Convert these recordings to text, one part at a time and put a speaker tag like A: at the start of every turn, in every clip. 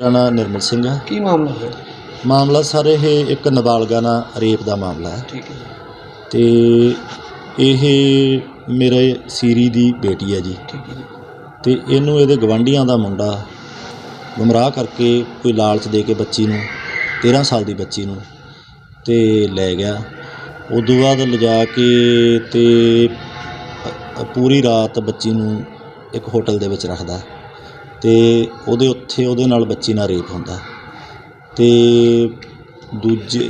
A: मेरा नाम निर्मल सिंह है।
B: की मामला है?
A: मामला सर ये एक नाबालगा नाल रेप का मामला है।
B: ठीक है
A: तो ये मेरे सीरी की बेटी है जी।
B: ठीक है जी।
A: तो इनू ये गवांढियां का मुंडा गुमराह करके कोई लालच दे के बच्ची नूं 13 साल की बच्ची नूं ते लै गया। उदों बाद लिजा के ते पूरी रात बच्ची नूं एक होटल दे विच रखदा ते उहदे उत्थे उहदे नाल बच्ची नाल रेप हुंदा ते दूजे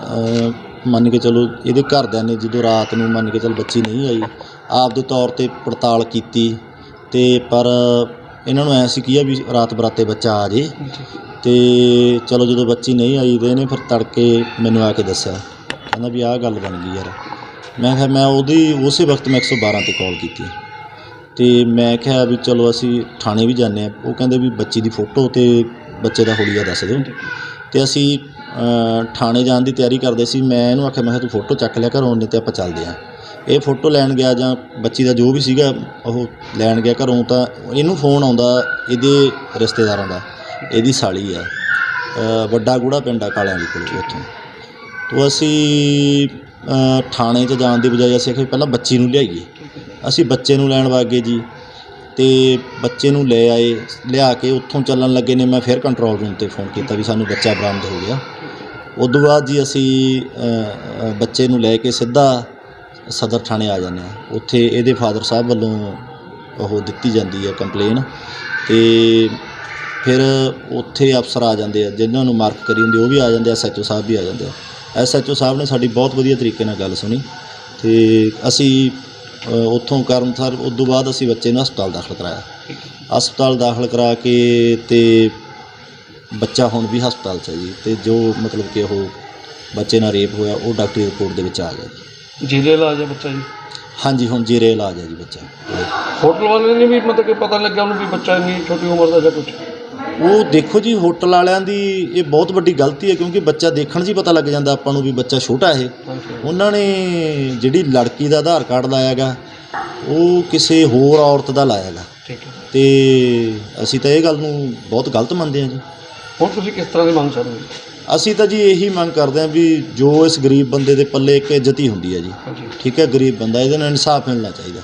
A: मन के चलो इहदे घरदिआं ने जदों रात नूं मन के चल बच्ची नहीं आई आपदे तौर ते पड़ताल कीती ते पर इन्हां नूं ऐ सी कि भी रात बराते बच्चा आ जे ते चलो जदों बच्ची नहीं आई ते इहने फिर तड़के मैनूं आके दस्सिआ कहंदा भी आह गल बन गई यार। मैं कहा मैं उहदी उस वक्त मैं 112 ते कॉल कीती ते मैं कहा भी चलो असी थाणे भी जाने वो कहंदे भी बच्ची दी फोटो ते बच्चे दा हुलिया दस दिओ ते असी थाणे जाण दी तैयारी करदे सी। मैं इहनूं आखिआ मैं तूं फोटो चक लिया घरों नहीं ते आपां चलदे आं। ये फोटो लैण गया जां बच्ची दा जो भी सीगा ओह लैण गया घरों तां इहनूं फोन आउंदा इहदे रिश्तेदारां दा इहदी साली आ वड्डा गूड़ा पिंड आ कालिआं वाली कोल उत्थों तो असी थाणे 'च जाण दी बजाए असीं आखिआ पहिलां बच्ची नूं लिआईए। असी बच्चे नूं लैण वग गए जी ते बच्चे नूं ले आए लिया के उत्थों चलण लगे ने मैं फिर कंट्रोल रूम ते फोन किया भी सानूं बच्चा बरामद हो गया। उदों बाद जी असी बच्चे नूं लै के सीधा सदर थाणे आ जाने उत्थे इहदे फादर साहब वल्लों ओह दित्ती जाती है कंप्लेन ते फिर उत्थे अफसर आ जाते हैं जिन्हों नूं मार्क करी हुंदी वो भी आ जाते SHO साहब भी आ जाते हैं। SHO साहब ने साडी बहुत वधिया तरीके नाल गल सुनी ते असी उत्थों करमसर उदों बाद असी बच्चे नूं हस्पताल दाखल कराया। हस्पताल दाखल करा के ते बच्चा हुण भी हस्पताल 'च है जी ते जो मतलब कि वो बच्चे नाल रेप होया वो डॉक्टरी रिपोर्ट दे विच आ गया जी।
B: जेरे इलाज है बच्चा जी? हाँ
A: जी हुण जेरे इलाज है जी बच्चा।
B: होटल वाले ने भी मतलब कि पता लग गया उन्होंने भी बच्चा इन्नी छोटी उम्र का या कुछ?
A: वो देखो जी होटल वालियां दी ये बहुत वड्डी गलती है क्योंकि बच्चा देखण 'च ही पता लग जाता आपां नूं भी बच्चा छोटा है। उन्हां ने जिहड़ी लड़की दा आधार कार्ड लाया गा वो किसी होर औरत दा लाया गा ते असीं तां इह गल नूं बहुत गलत मंनदे हां जी।
B: हुण तुसीं किस तरह की मंग कर रहे हो?
A: असीं तां जी यही मंग करदे हां भी जो इस गरीब बंदे दे पल्ले एक इज्जत ही हुंदी है जी। ठीक है गरीब बंदा इहदे नाल इंसाफ मिलना चाहिदा।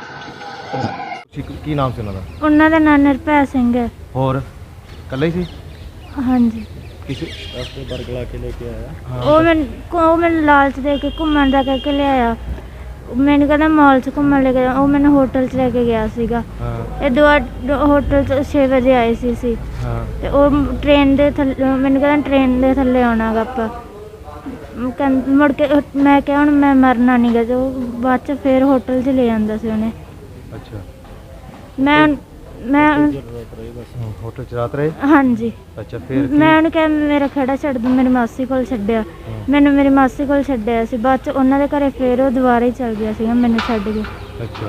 C: ਕੀ ਨਾਮ ਸੀ ਉਹਨਾਂ ਦਾ?
D: ਉਹਨਾਂ ਦਾ ਨਾਂ ਨਿਰਭੈ ਸਿੰਘ ਹੈ।
C: ਹੋਰ ਇਕੱਲਾ ਹੀ ਸੀ?
D: ਹਾਂਜੀ।
C: ਕਿਸੇ
A: ਰਸਤੇ ਬਰਗਲਾ ਕੇ ਲੈ ਕੇ ਆਇਆ
D: ਉਹ ਮੈਨੂੰ ਲਾਲਚ ਦੇ ਕੇ ਘੁੰਮਣ ਦਾ ਕਹਿ ਕੇ ਲਿਆਇਆ। ਮੈਨੂੰ ਕਹਿੰਦਾ ਮਾਲ 'ਚ ਘੁੰਮਣ ਲੈ ਕੇ ਉਹ ਮੈਨੂੰ ਹੋਟਲ 'ਚ ਲੈ ਕੇ ਗਿਆ ਸੀਗਾ। ਇਹ ਹੋਟਲ 'ਚ 6 ਵਜੇ ਆਏ ਸੀ ਤੇ ਉਹ ਟ੍ਰੇਨ ਦੇ ਥੱਲੇ ਮੈਨੂੰ ਕਹਿੰਦਾ ਟ੍ਰੇਨ ਦੇ ਥੱਲੇ ਆਉਣਾ ਗਾ ਆਪਾਂ ਮੁੜ ਕੇ ਮੈਂ ਕਿਹਾ ਹੁਣ ਮੈਂ ਮਰਨਾ ਨਹੀਂ ਗਾ ਤੇ ਉਹ ਬਾਅਦ 'ਚ ਫਿਰ ਹੋਟਲ 'ਚ ਲੈ ਜਾਂਦਾ ਸੀ ਉਹਨੇ।
C: ਅੱਛਾ
D: ਮੈਂ
C: ਹੋਟਲ 'ਚ ਰਾਤ ਰਹੇ?
D: ਹਾਂਜੀ।
C: ਅੱਛਾ ਫਿਰ
D: ਮੈਂ ਉਹਨੂੰ ਕਿਹਾ ਮੇਰਾ ਖਹਿੜਾ ਛੱਡ ਦੂੰ ਮੇਰੀ ਮਾਸੀ ਕੋਲ ਛੱਡਿਆ ਮੈਨੂੰ ਮੇਰੀ ਮਾਸੀ ਕੋਲ ਛੱਡਿਆ ਸੀ ਬਾਅਦ 'ਚ ਉਹਨਾਂ ਦੇ ਘਰੇ ਫਿਰ ਉਹ ਦੁਬਾਰਾ ਹੀ ਚਲ ਗਿਆ ਸੀਗਾ ਮੈਨੂੰ ਛੱਡ ਕੇ।
C: ਅੱਛਾ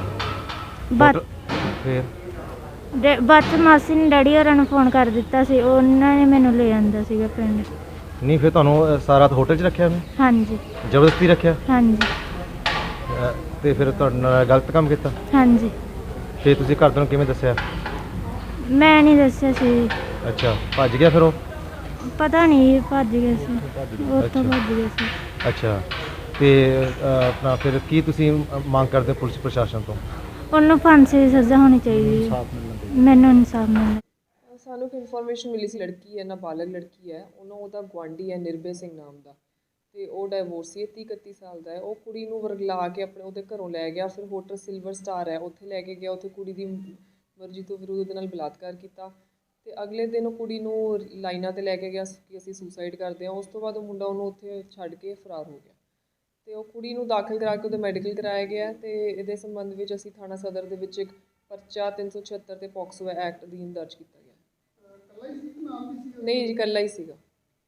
D: ਫਿਰ ਬਾਅਦ 'ਚ ਮਾਸੀ ਨੇ ਡੈਡੀ ਹੋਰਾਂ ਨੂੰ ਫੋਨ ਕਰ ਦਿੱਤਾ ਸੀ ਉਹਨਾਂ ਨੇ ਮੈਨੂੰ ਲੈ ਜਾਂਦਾ ਸੀਗਾ ਪਿੰਡ।
C: ਨਹੀਂ ਫਿਰ ਤੁਹਾਨੂੰ ਸਾਰਾ ਰਾਤ ਹੋਟਲ 'ਚ ਰੱਖਿਆ ਉਹਨੇ?
D: ਹਾਂਜੀ।
C: ਜ਼ਬਰਦਸਤੀ ਰੱਖਿਆ?
D: ਹਾਂਜੀ।
C: ਤੇ ਫਿਰ ਤੁਹਾਡੇ ਨਾਲ ਗਲਤ ਕੰਮ ਕੀਤਾ?
D: ਹਾਂਜੀ।
C: ਫਿਰ ਤੁਸੀਂ ਘਰਦਿਆਂ ਨੂੰ ਕਿਵੇਂ ਦੱਸਿਆ?
D: ਮੈਂ ਨਹੀਂ ਦੱਸਿਆ ਸੀ।
C: ਅੱਛਾ ਭੱਜ ਗਿਆ ਫਿਰ ਉਹ?
D: ਪਤਾ ਨਹੀਂ ਭੱਜ ਗਏ ਸੀ ਉੱਥੋਂ ਭੱਜ ਗਏ ਸੀ।
C: ਅੱਛਾ ਤੇ ਆਪਣਾ ਫਿਰ ਕੀ ਤੁਸੀਂ ਮੰਗ ਕਰਦੇ ਹੋ ਪੁਲਿਸ ਪ੍ਰਸ਼ਾਸਨ ਤੋਂ?
D: ਉਹਨੂੰ ਫਾਂਸੀ ਦੀ ਸਜ਼ਾ ਹੋਣੀ ਚਾਹੀਦੀ ਹੈ। ਮੈਨੂੰ ਇਨਸਾਫ ਮਿਲਣਾ।
E: ਸਾਨੂੰ ਇੱਕ ਇਨਫੋਰਮੇਸ਼ਨ ਮਿਲੀ ਸੀ ਲੜਕੀ ਹੈ ਨਾਬਾਲਗ ਲੜਕੀ ਹੈ ਉਹਦਾ ਗੁਆਂਢੀ ਹੈ ਨਿਰਭੈ ਸਿੰਘ ਨਾਮ ਦਾ ਅਤੇ ਉਹ ਡਾਈਵੋਰਸੀ ਹੈ 30-31 ਸਾਲ ਦਾ ਹੈ। ਉਹ ਕੁੜੀ ਨੂੰ ਵਰਗਲਾ ਕੇ ਆਪਣੇ ਉਹਦੇ ਘਰੋਂ ਲੈ ਗਿਆ ਫਿਰ ਹੋਟਲ ਸਿਲਵਰ ਸਟਾਰ ਹੈ ਉੱਥੇ ਲੈ ਕੇ ਗਿਆ। ਉੱਥੇ ਕੁੜੀ ਦੀ ਮਰਜ਼ੀ ਤੋਂ ਫਿਰ ਉਹਦੇ ਨਾਲ ਬਲਾਤਕਾਰ ਕੀਤਾ ਅਤੇ ਅਗਲੇ ਦਿਨ ਉਹ ਕੁੜੀ ਨੂੰ ਲਾਈਨਾਂ 'ਤੇ ਲੈ ਕੇ ਗਿਆ ਕਿ ਅਸੀਂ ਸੁਸਾਈਡ ਕਰਦੇ ਹਾਂ। ਉਸ ਤੋਂ ਬਾਅਦ ਉਹ ਮੁੰਡਾ ਉਹਨੂੰ ਉੱਥੇ ਛੱਡ ਕੇ ਫਰਾਰ ਹੋ ਗਿਆ ਅਤੇ ਉਹ ਕੁੜੀ ਨੂੰ ਦਾਖਲ ਕਰਾ ਕੇ ਉਹਦਾ ਮੈਡੀਕਲ ਕਰਾਇਆ ਗਿਆ ਅਤੇ ਇਹਦੇ ਸੰਬੰਧ ਵਿੱਚ ਅਸੀਂ ਥਾਣਾ ਸਦਰ ਦੇ ਵਿੱਚ ਇੱਕ ਪਰਚਾ 376 ਤੇ ਪੋਕਸੋ ਐਕਟ ਅਧੀਨ ਦਰਜ ਕੀਤਾ ਗਿਆ। ਨਹੀਂ ਜੀ ਇਕੱਲਾ ਹੀ ਸੀਗਾ।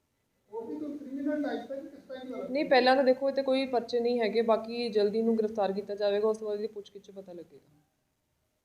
E: ਨਹੀਂ ਪਹਿਲਾਂ ਤਾਂ ਦੇਖੋ ਇਹ 'ਤੇ ਕੋਈ ਪਰਚੇ ਨਹੀਂ ਹੈਗੇ ਬਾਕੀ ਜਲਦੀ ਨੂੰ ਗ੍ਰਿਫਤਾਰ ਕੀਤਾ ਜਾਵੇਗਾ ਉਸ ਤੋਂ ਬਾਅਦ ਇਹਦੀ ਪੁੱਛਗਿੱਛ 'ਚ ਪਤਾ ਲੱਗੇਗਾ।